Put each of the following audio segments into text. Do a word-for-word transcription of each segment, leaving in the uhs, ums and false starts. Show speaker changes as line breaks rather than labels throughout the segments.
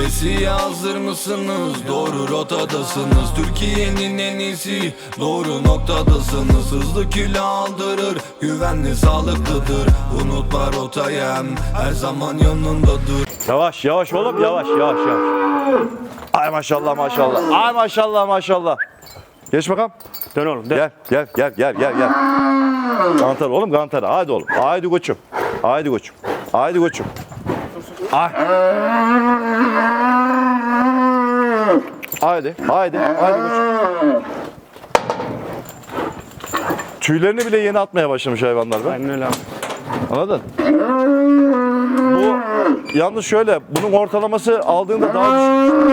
Besiye hazır mısınız? Doğru rotadasınız. Türkiye'nin en iyisi, doğru noktadasınız. Hızlı kilo aldırır, güvenli sağlıklıdır. Unutma rotayı, her zaman yanındadır.
Yavaş yavaş oğlum, yavaş yavaş yavaş. Ay maşallah maşallah. Ay maşallah maşallah. Geç bakalım.
Dön oğlum dön.
Gel gel gel gel gel gel. Gantar oğlum, gantar. Haydi oğlum. Haydi koçum. Haydi koçum. Haydi koçum. Ay. Haydi. Haydi. Haydi koçum. Tüylerini bile yeni atmaya başlamış hayvanlar be.
Aynen öyle abi.
Anladın? Bu yalnız şöyle, bunun ortalaması aldığında daha düşük.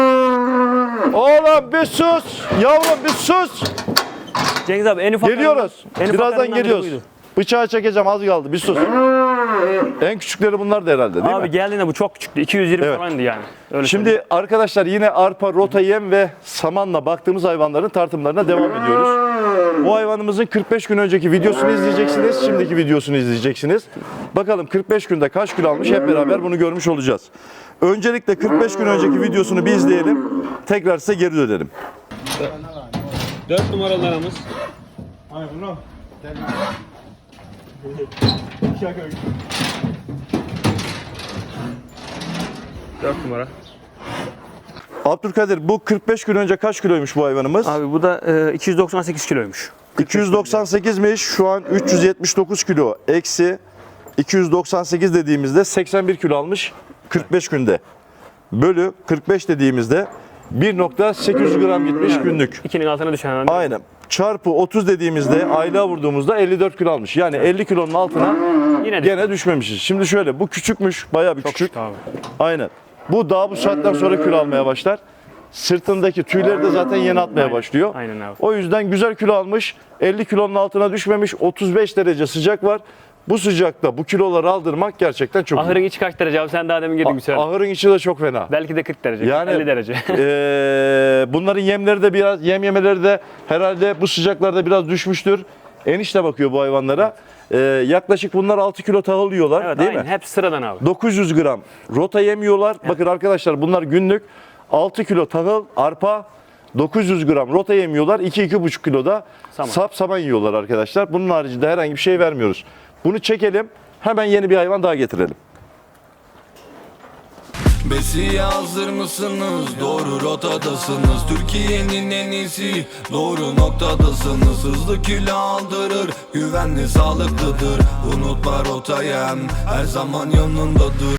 Oğlum bir sus! Yavrum bir sus!
Cengiz abi en ufak
Geliyoruz.
en ufak
Birazdan
yanından biri
geliyoruz.
buydu.
Bıçağı çekeceğim, az kaldı. Bir sus. En küçükleri bunlar da herhalde, değil
Abi
mi?
geldiğinde bu çok küçüktü. iki yüz yirmi
Evet.
falandı yani. Öyle
Şimdi
söyleyeyim.
arkadaşlar yine arpa, rota, yem ve samanla baktığımız hayvanların tartımlarına devam ediyoruz. Bu hayvanımızın kırk beş gün önceki videosunu izleyeceksiniz. Şimdiki videosunu izleyeceksiniz. Bakalım kırk beş günde kaç kilo almış, hep beraber bunu görmüş olacağız. Öncelikle kırk beş gün önceki videosunu bir izleyelim. Tekrar size geri dönelim.
dört numaralı danamız.
Ay bunu.
dört numara.
Abdülkadir, bu kırk beş gün önce kaç kiloymuş bu hayvanımız?
Abi bu da e, iki yüz doksan sekiz kiloymuş.
iki yüz doksan sekizmiş. Şu an üç yüz yetmiş dokuz kilo. Eksi iki yüz doksan sekiz dediğimizde seksen bir kilo almış kırk beş günde. Bölü kırk beş dediğimizde bir nokta sekiz yüz gram gitmiş günlük.
ikinin altına düşen hemen.
Aynen. Çarpı otuz dediğimizde aylığa vurduğumuzda elli dört kilo almış. Yani elli kilonun altına
Yine
gene düşmemişiz. Şimdi şöyle, bu küçükmüş, bayağı bir
çok
küçük.
küçük abi.
Aynen. Bu daha bu saatten sonra kilo almaya başlar. Sırtındaki tüyleri de zaten yeni atmaya
Aynen.
başlıyor.
Aynen abi.
O yüzden güzel kilo almış. elli kilonun altına düşmemiş. otuz beş derece sıcak var. Bu sıcakta bu kiloları aldırmak gerçekten çok
Ahırın içi kaç derece abi? Sen daha demin girdin bir söyle.
Ahırın içi de çok fena.
Belki de kırk derece.
Yani
elli derece.
eee, bunların yemleri de biraz, yem yemeleri de herhalde bu sıcaklarda biraz düşmüştür. Enişte bakıyor bu hayvanlara. Eee, yaklaşık bunlar altı kilo tahıl yiyorlar,
Evet
değil
aynen.
mi?
Hep sıradan abi.
dokuz yüz gram rota yemiyorlar. Bakın arkadaşlar, bunlar günlük altı kilo tahıl, arpa, dokuz yüz gram rota yemiyorlar. iki iki buçuk kilo da
Saman.
sap saman yiyorlar arkadaşlar. Bunun haricinde herhangi bir şey vermiyoruz. Bunu çekelim. Hemen yeni bir hayvan daha getirelim.
Besiye hazır mısınız? Doğru rotadasınız. Türkiye'nin en iyisi, doğru noktadasınız. Hızlı kilo aldırır, güvenli sağlıklıdır. Unutma rotayı, her zaman yanındadır.